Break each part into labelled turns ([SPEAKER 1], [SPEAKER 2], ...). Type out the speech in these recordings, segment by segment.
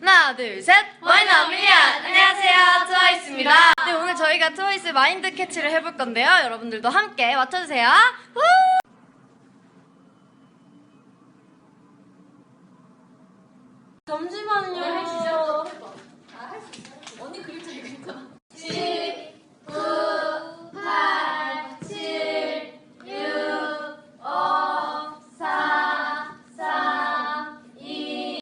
[SPEAKER 1] 하나, 둘, 셋!
[SPEAKER 2] 와이너 밀리언! 안녕하세요, 트와이스입니다.
[SPEAKER 1] 네, 오늘 저희가 트와이스 마인드 캐치를 해볼 건데요. 여러분들도 함께 맞춰주세요. 후! 잠시만요.
[SPEAKER 2] 해주시죠. 언니 그림 잘 그린다. 10, 9, 8, 7, 6, 5, 4, 3, 2.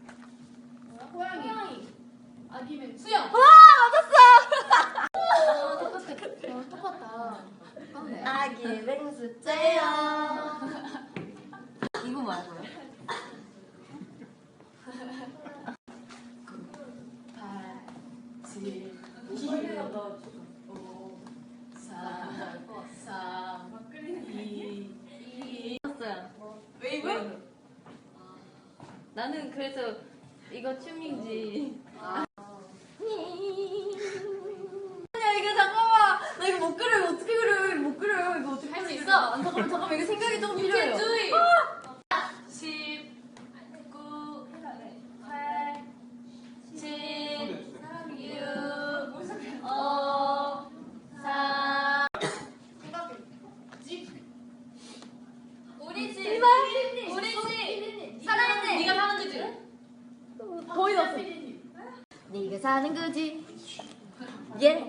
[SPEAKER 2] 호랑이. 아니면 수영.
[SPEAKER 1] 와, 맞았어!
[SPEAKER 2] 똑같다.
[SPEAKER 1] 아기 맹수째요.
[SPEAKER 2] 이거 말고요? 8, 7, 6, 5, 4, 3, 2, 1. 왜 이거?
[SPEAKER 3] 나는 그래서 이거 춤인지.
[SPEAKER 1] 야, 이거 잠깐만. 나 이거 못 그려. 어떻게 그려? 이거 못 그려. 이거 어떻게
[SPEAKER 2] 할 수
[SPEAKER 1] 그려?
[SPEAKER 2] 있어.
[SPEAKER 1] 잠깐만. 이거 생각이 조금
[SPEAKER 2] You
[SPEAKER 1] 필요해요.
[SPEAKER 2] can do it. 10, 9, 8, 7, 6, 5, 4. 우리 집. 우리 집. 살아있네. 네가 사는 거지?
[SPEAKER 1] 거의 났어. 네가 사는 거지. 예.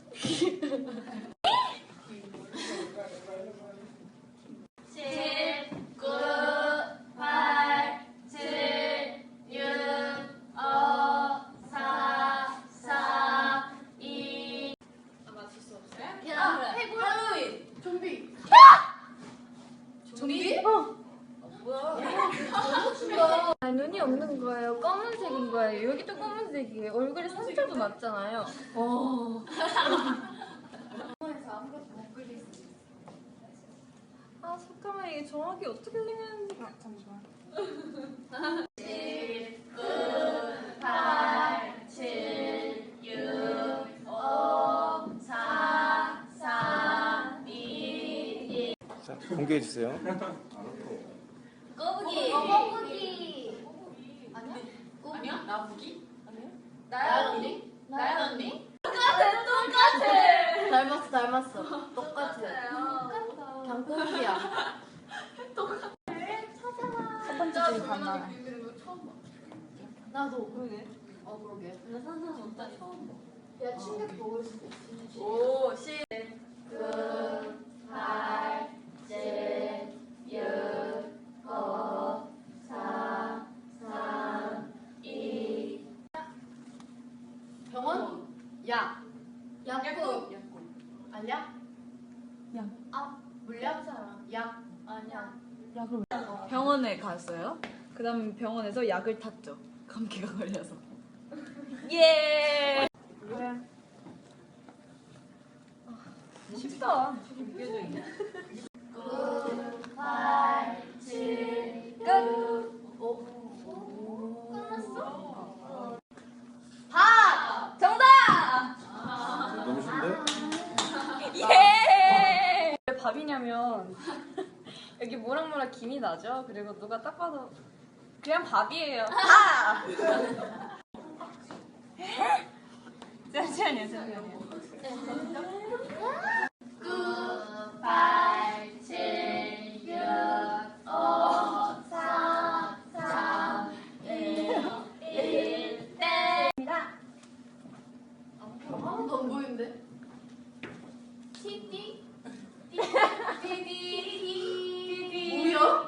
[SPEAKER 2] 10, 9, 8, 7, 6, 5, 4, 3, 2. 맞출 수 없어요? 해골. 할로윈. 좀비. 좀비?
[SPEAKER 1] 아, 눈이 없는 거예요. 검은색인 거예요. 여기도 검은색이에요. 얼굴에 상처도 났잖아요. 아, 잠깐만. 이게 정확히 어떻게 생겼는지. 잠시만.
[SPEAKER 2] 10, 9, 8, 7, 6, 5, 4, 3, 2, 1.
[SPEAKER 4] 자, 공개해 주세요.
[SPEAKER 2] 꼬부기.
[SPEAKER 1] 꼬부기.
[SPEAKER 2] 아니야? 아니야? 나부기? 아니야? 나연 언니? 나연 언니? 똑같아.
[SPEAKER 1] 닮았어. 똑같아. 그냥 꼬부기야. 첫 번째 줄 봤나?
[SPEAKER 2] 나도.
[SPEAKER 1] 그러게.
[SPEAKER 2] 그러게.
[SPEAKER 1] 나 산산 없다니. 처음 봐.
[SPEAKER 2] 야, 충격 먹을 수도 있지. 5, 10, 9, 8, 7, 6, 5, 4, 3, 2. 병원? 약. 약국. 알약?
[SPEAKER 1] 약.
[SPEAKER 2] 아, 물약사랑. 약. 아니야.
[SPEAKER 3] 병원에 갔어요. 그 다음 병원에서 약을 탔죠. 감기가 걸려서. 예!
[SPEAKER 1] 그래.
[SPEAKER 3] 쉽다.
[SPEAKER 2] 9, 8, 7, 6, 5. 끝났어? 밥!
[SPEAKER 3] 정답!
[SPEAKER 4] 너무 쉽네?
[SPEAKER 3] 예!
[SPEAKER 1] 왜 밥이냐면 여기 모락모락 김이 나죠? 그리고 누가 딱 봐도 그냥 밥이에요. 밥! 잠시만요.
[SPEAKER 2] 9, 8, 7, 6, 5, 4, 3, 2, 1, 땡입니다. 아무도 안 보이는데? 티티? 띠띠 뭐야?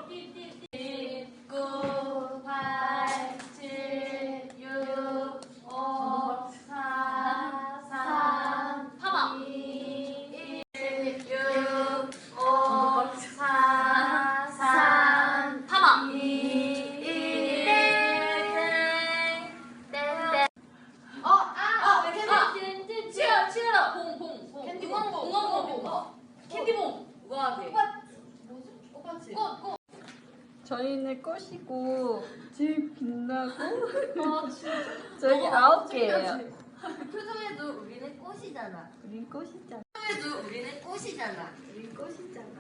[SPEAKER 2] 9, 8, 7, 6, 5, 4, 3, 파마 2, 1, 6, 5, 4, 3, 파마 2, 1, 땡. 치어러. 봉. 캔디봉. 봉. 캔디봉. 우아하게. 꽃. 꽃.
[SPEAKER 1] 저희는 꽃이고 집 빛나고 저희 9개예요.
[SPEAKER 2] 표정에도 우리는 꽃이잖아.
[SPEAKER 1] 우린 꽃이잖아.
[SPEAKER 2] 표정에도 우리는 꽃이잖아.
[SPEAKER 1] 우린 꽃이잖아.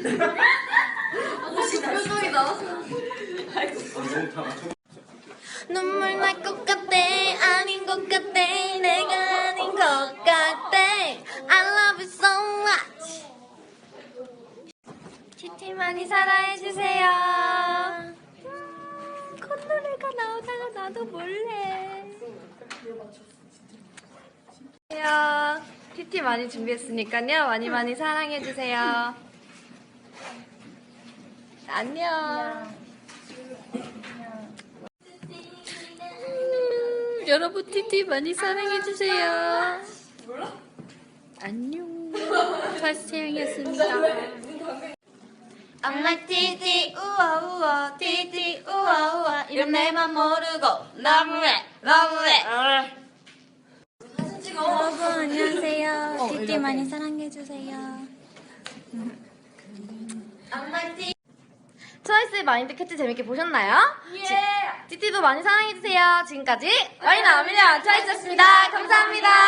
[SPEAKER 2] 표정이 나왔어.
[SPEAKER 4] 너무 다 맞춰.
[SPEAKER 1] 눈물 날 것 같아 아닌 것 같아 내가 아닌 것 같아 I love you so much 티티 많이 사랑해주세요 콧노래가 나오다가 나도 몰래 티티 많이 준비했으니까요 많이 많이 사랑해주세요 안녕 여러분 티티 많이 사랑해주세요 안녕 파스양이었습니다 I'm like 티티 우와 우와 티티 우와 우와 이런 내맘 모르고 너무해 너무해
[SPEAKER 5] 여러분 안녕하세요. 티티 많이 사랑해주세요.
[SPEAKER 1] 트와이스의 마인드 캐치 재밌게 보셨나요? 티티도 많이 사랑해주세요. 지금까지 와이나 아밀리아 트와이스였습니다. 감사합니다.